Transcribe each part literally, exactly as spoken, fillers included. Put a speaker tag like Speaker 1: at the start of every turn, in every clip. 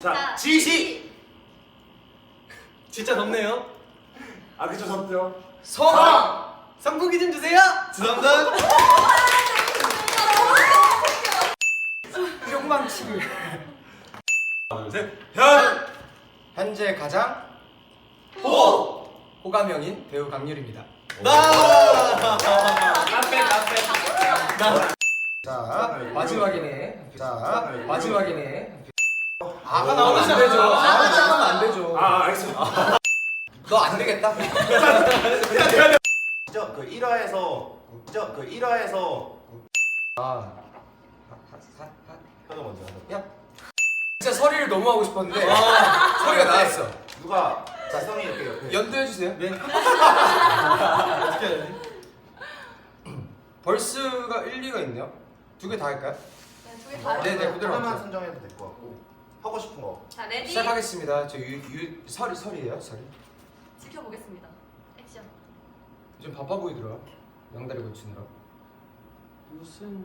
Speaker 1: 자, 지시!
Speaker 2: 진짜 덥네요.
Speaker 1: 아, 그쵸, 덥죠.
Speaker 2: 성! 성국이 좀 주세요!
Speaker 1: 죄송합니다.
Speaker 2: 욕망치기.
Speaker 1: 하나, 둘, 셋. 현!
Speaker 2: 현재 가장
Speaker 1: 호!
Speaker 2: 호감형인 배우 강률입니다.
Speaker 1: 나! 나빼, 나빼.
Speaker 2: 자, 마지막이네. 자, 마지막이네. 아가
Speaker 1: 오.
Speaker 2: 나오면 안 되죠. 아가 나오면 안 되죠.
Speaker 1: 아, 알겠어.
Speaker 2: 너 안 되겠다.
Speaker 3: 저 그 일 화에서 저 그 일 화에서
Speaker 2: 아,
Speaker 3: 현우 먼저 하자.
Speaker 2: 야, 진짜 서리를 너무 하고 싶었는데 서리가 나왔어.
Speaker 3: 누가 자성이 이렇게 옆에
Speaker 2: 연두해 주세요. 네.
Speaker 4: 어떻게 해야 되지?
Speaker 2: 벌스가 일, 이가 있네요. 두 개 다 할까요?
Speaker 5: 네, 두개 다.
Speaker 2: 네, 네, 그대로
Speaker 3: 하나만
Speaker 2: 할게요.
Speaker 3: 선정해도 될 것 같고 하고 싶은 거.
Speaker 5: 자, 레디.
Speaker 2: 시작하겠습니다. 저 유, 유, 설이, 설이에요, 설이.
Speaker 5: 지켜보겠습니다. 액션.
Speaker 2: 좀 바빠 보이더라. 양다리 고치느라. 무슨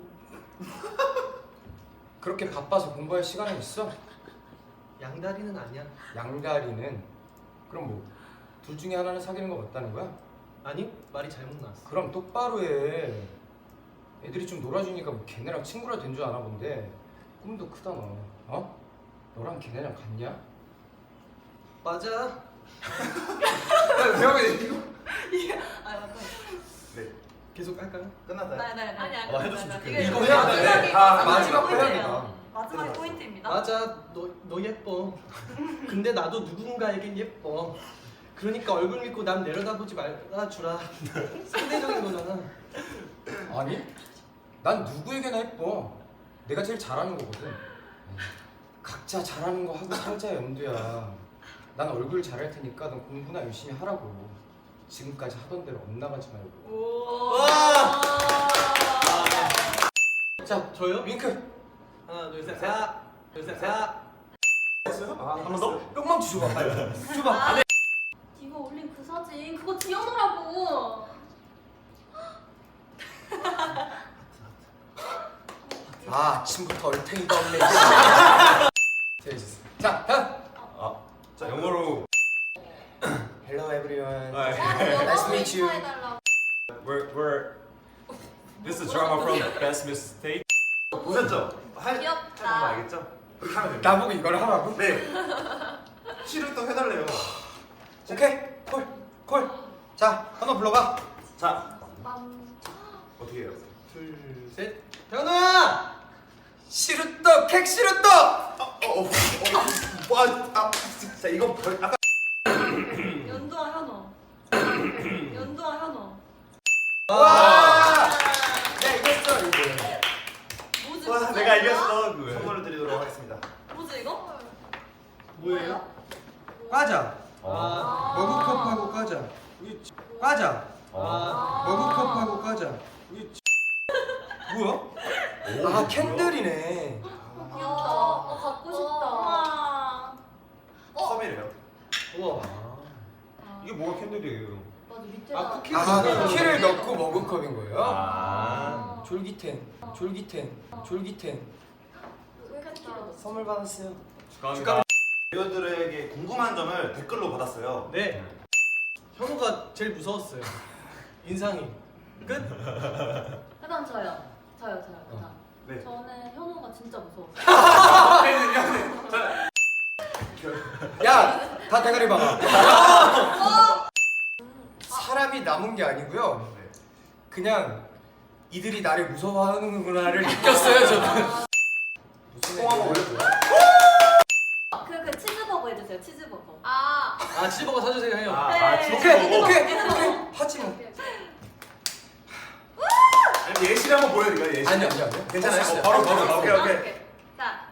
Speaker 2: 그렇게 바빠서 공부할 시간이 있어?
Speaker 4: 양다리는 아니야.
Speaker 2: 양다리는 그럼 뭐 둘 중에 하나는 사귀는 거 맞다는 거야?
Speaker 4: 아니 말이 잘못 나왔어.
Speaker 2: 그럼 똑바로 해. 애들이 좀 놀아주니까 뭐 걔네랑 친구라 된 줄 아나 본데 꿈도 크다 너. 어? 너랑 걔네랑 같냐?
Speaker 4: 맞아.
Speaker 2: 야, 배우가 이거
Speaker 5: 아, 맞다.
Speaker 3: 네.
Speaker 4: 계속 할까요?
Speaker 3: 끝났나요?
Speaker 5: 네, 네, 네. 아니, 아니.
Speaker 3: 어, 해줬으면
Speaker 5: 이게
Speaker 3: 좋겠네.
Speaker 2: 이거 해야 돼.
Speaker 5: 마지막에
Speaker 2: 아,
Speaker 5: 마지막
Speaker 2: 마지막 해야
Speaker 5: 포인트예요.
Speaker 2: 되나?
Speaker 5: 마지막이 포인트입니다.
Speaker 4: 맞아. 너 너 예뻐. 근데 나도 누군가에겐 예뻐. 그러니까 얼굴 믿고 남 내려다보지 말아주라. 상대적인 거잖아.
Speaker 2: 아니? 난 누구에게나 예뻐. 내가 제일 잘하는 거거든. 각자 잘하는 거 하고 살자 연두야. 난 얼굴 잘할 테니까 넌 공부나 열심히 하라고. 지금까지 하던 대로 엇나가지 말고.
Speaker 5: 오.
Speaker 4: 와.
Speaker 2: 자,
Speaker 4: 저요?
Speaker 2: 윙크.
Speaker 4: 하나 둘 셋. 하나 둘 셋. 하나.
Speaker 1: 아, 한 번 더?
Speaker 2: 뿅망치 줘봐 빨리. 줘봐.
Speaker 5: 아, 네가 올린 그 사진 그거 지연우라고.
Speaker 2: 아, 아침부터 얼탱이가 없네. 재밌었어. 자, 현.
Speaker 1: 아, 자, 영어로.
Speaker 2: Hello everyone.
Speaker 1: 아,
Speaker 2: Nice to meet you.
Speaker 5: 해달라고.
Speaker 1: We're, we're. This is drama from Best Mistake.
Speaker 3: 보셨죠? 할
Speaker 5: 귀엽다.
Speaker 3: 해본 거 알겠죠? 그렇게 하면 됩니다.
Speaker 2: 나보고 이걸 하라고?
Speaker 3: 네. 시를 또 해달래요.
Speaker 2: 오케이. 콜. 콜. 자, 한번 불러봐.
Speaker 3: 자,
Speaker 5: 빰.
Speaker 3: 어떻게 해요?
Speaker 4: 둘 셋. 현우야.
Speaker 2: 시루떡, 객 시루떡.
Speaker 3: 어, 어, 어, 어, 와, 아, 자 이거 벌, 아까
Speaker 5: 연두와 현우. 연두와 현우.
Speaker 2: 와. 야, 이겼어 이거.
Speaker 5: 뭐지?
Speaker 3: 와,
Speaker 5: 뭐지?
Speaker 3: 내가 이겼어. 그 선물을 드리도록 하겠습니다.
Speaker 5: 뭐지 이거?
Speaker 4: 뭐예요?
Speaker 2: 과자.
Speaker 4: 아.
Speaker 2: 머그컵하고 과자. 과자.
Speaker 4: 아.
Speaker 2: 머그컵하고 과자. 뭐야? 아, 캔들이네.
Speaker 5: 어, 귀엽다. 어, 갖고 싶다. 와. 어?
Speaker 3: 컵이래요.
Speaker 4: 우와.
Speaker 1: 이게 뭐가 캔들이에요?
Speaker 5: 맞아 밑에가.
Speaker 4: 아 쿠키.
Speaker 2: 아, 쿠키를 넣고 머그컵인 거예요?
Speaker 1: 아.
Speaker 2: 졸기텐, 졸기텐, 졸기텐.
Speaker 5: 왜 쿠키를 넣었어?
Speaker 2: 선물 받았어요.
Speaker 1: 축하합니다.
Speaker 3: 배우들에게 궁금한 점을 댓글로 받았어요.
Speaker 4: 네. 현우가 제일 무서웠어요. 인상이. 끝.
Speaker 5: 그다음 저요. 저요, 저요. 그다음.
Speaker 3: 네.
Speaker 5: 저는 현우가 진짜 무서웠어요.
Speaker 2: 야, 다 대가리 박아. 사람이 남은 게 아니고요.
Speaker 3: 네.
Speaker 2: 그냥 이들이 나를 무서워하는구나를 느꼈어요, 저는. 무슨
Speaker 3: 통 한번
Speaker 2: 얘기야?
Speaker 3: 올려줘요.
Speaker 5: 그, 그 치즈버거 해주세요. 치즈버거.
Speaker 6: 아,
Speaker 4: 아 치즈버거 사주세요 형.
Speaker 3: 아,
Speaker 5: 네.
Speaker 3: 아, 진짜
Speaker 2: 오케이,
Speaker 3: 먹어.
Speaker 2: 오케이, 오케이. 하지 뭐.
Speaker 3: 아니, 예시를 한번 보여드릴까요? 예시.
Speaker 2: 아니요, 아니요, 아니요.
Speaker 3: 괜찮아요?
Speaker 2: 없어요.
Speaker 3: 어, 바로 바로
Speaker 2: 없어요.
Speaker 3: 오케이 오케이.
Speaker 5: 자,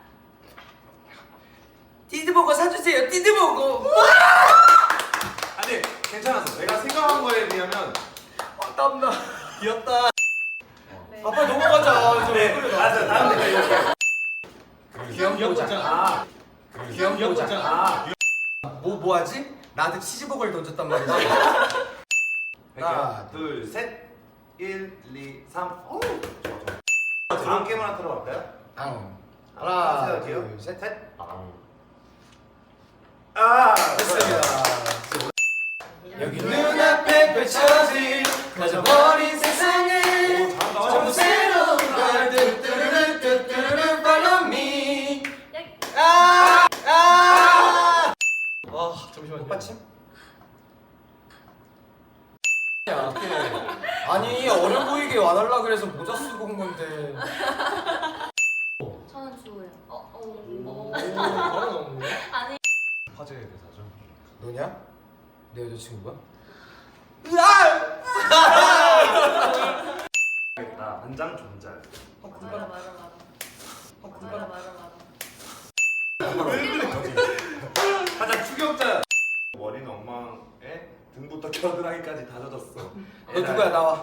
Speaker 2: 띠드버거 사주세요, 띠드버거.
Speaker 3: 아니 괜찮았어. 내가 생각한 거에 비하면
Speaker 2: 아, 땀나.
Speaker 4: 귀엽다.
Speaker 5: 네.
Speaker 2: 아, 빨리 넘어가자. 저
Speaker 3: 네.
Speaker 2: 얼굴에
Speaker 3: 아, 자, 다음 댓글 이렇게.
Speaker 2: 귀염보자.
Speaker 3: 아,
Speaker 2: 귀염보자.
Speaker 3: 아,
Speaker 2: 뭐, 뭐 하지? 나한테 치즈버거를 던졌단 말이지.
Speaker 3: 하나, 둘, 셋, 일, 이, 삼. 오, 좋아 좋아. 다음 게임 하나 들어갈까요?
Speaker 2: 앙.
Speaker 3: 하나,
Speaker 2: 하나,
Speaker 3: 둘,
Speaker 2: 둘, 셋.
Speaker 3: 셋. 아.
Speaker 2: 가져버린 세상에
Speaker 3: 오, 잘한다.
Speaker 2: 전부 새로운 걸 뚜뚜루루 뚜뚜루루 follow me.
Speaker 4: 아! 아! 아, 잠시만요.
Speaker 2: 마침? 야, 아니 어려 보이게 와달라 그래서 모자 쓰고 온 건데.
Speaker 5: 저는 주호요. 어, 어,
Speaker 4: 오,
Speaker 5: 어.
Speaker 4: 바로 나오네.
Speaker 5: 아니.
Speaker 3: 화제의 대사죠.
Speaker 2: 너냐? 내 여자친구가?
Speaker 3: 나 안장 존잘.
Speaker 5: 맞아, 맞아, 맞아. 맞아, 맞아, 맞아.
Speaker 3: 가장 추격자. 머리는 엉망에 등부터 겨드랑이까지 다 젖었어.
Speaker 2: 너 누구야? 나와.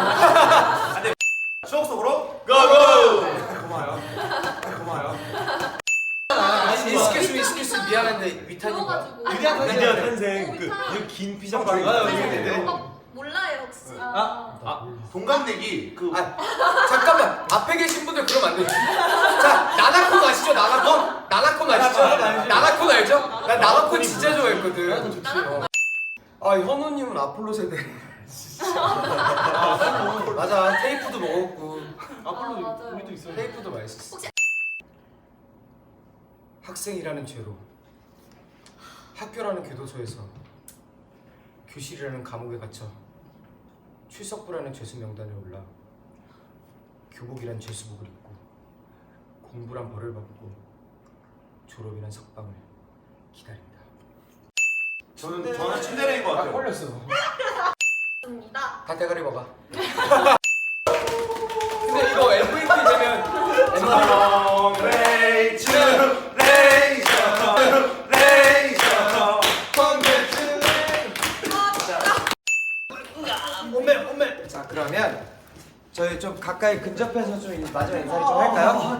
Speaker 3: 추억 속으로 고고. 고마워요. 고마워요.
Speaker 2: 익스큐스 익스큐스 미안한데 위탄이가.
Speaker 5: 주워가지고.
Speaker 4: 위대한 탄생.
Speaker 1: 드디어 탄생 그
Speaker 5: 오,
Speaker 1: 이 긴 피자
Speaker 3: 아,
Speaker 1: 빵이
Speaker 3: 맞아요.
Speaker 1: 있는데.
Speaker 3: 네, 네.
Speaker 5: 오빠 몰라요, 혹시?
Speaker 4: 아.
Speaker 3: 아 동갑내기 그
Speaker 2: 아 잠깐만 앞에 계신 분들 그러면 안 돼. 자 나나콘 아시죠? 나나콘? 나나콘 아시죠?
Speaker 4: 나나콘 알지.
Speaker 2: 나나콘 알죠? 나 나나콘 진짜
Speaker 4: 나나콘
Speaker 2: 좋아했거든.
Speaker 4: 좋지.
Speaker 5: 나나콘
Speaker 2: 아 현우님은 아폴로 세대. 맞아 테이프도 먹었고
Speaker 5: 아,
Speaker 4: 아폴로
Speaker 5: 맞아요.
Speaker 4: 우리도 있어요.
Speaker 2: 테이프도 맛있었어.
Speaker 5: 혹시-
Speaker 2: 학생이라는 죄로 학교라는 교도소에서 교실이라는 감옥에 갇혀 출석부라는 죄수 명단에 올라 교복이란 죄수복을 입고 공부란 벌을 받고 졸업이란 석방을 기다린다.
Speaker 3: 저는 저는 침대레인 것 같아요.
Speaker 2: 걸렸어.
Speaker 5: 입니다.
Speaker 2: 다 대가리 먹어. 근데 이거 엠브이피 되면
Speaker 3: Congratulations,
Speaker 4: 엄매, 엄매.
Speaker 2: 자 그러면 저희 좀 가까이 근접해서 좀 마지막 인사를 좀 할까요?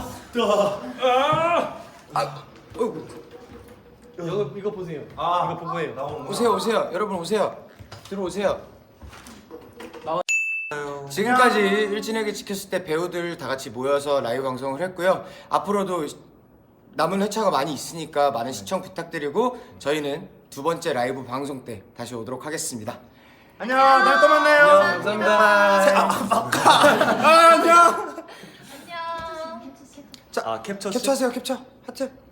Speaker 2: 아, 어이구.
Speaker 4: 이거 이거 보세요.
Speaker 3: 아,
Speaker 4: 이거 보고 해요.
Speaker 3: 나오는 거.
Speaker 2: 오세요 오세요 여러분 오세요 들어오세요.
Speaker 4: 나와.
Speaker 2: 지금까지 일진에게 지켰을 때 배우들 다 같이 모여서 라이브 방송을 했고요. 앞으로도 남은 회차가 많이 있으니까 많은 시청 부탁드리고 저희는 두 번째 라이브 방송 때 다시 오도록 하겠습니다.
Speaker 3: 안녕, 다음에 또 만나요.
Speaker 4: 감사합니다.
Speaker 2: 아, 안녕.
Speaker 5: 안녕.
Speaker 1: 아 캡처
Speaker 2: 캡처하세요 캡처 하트.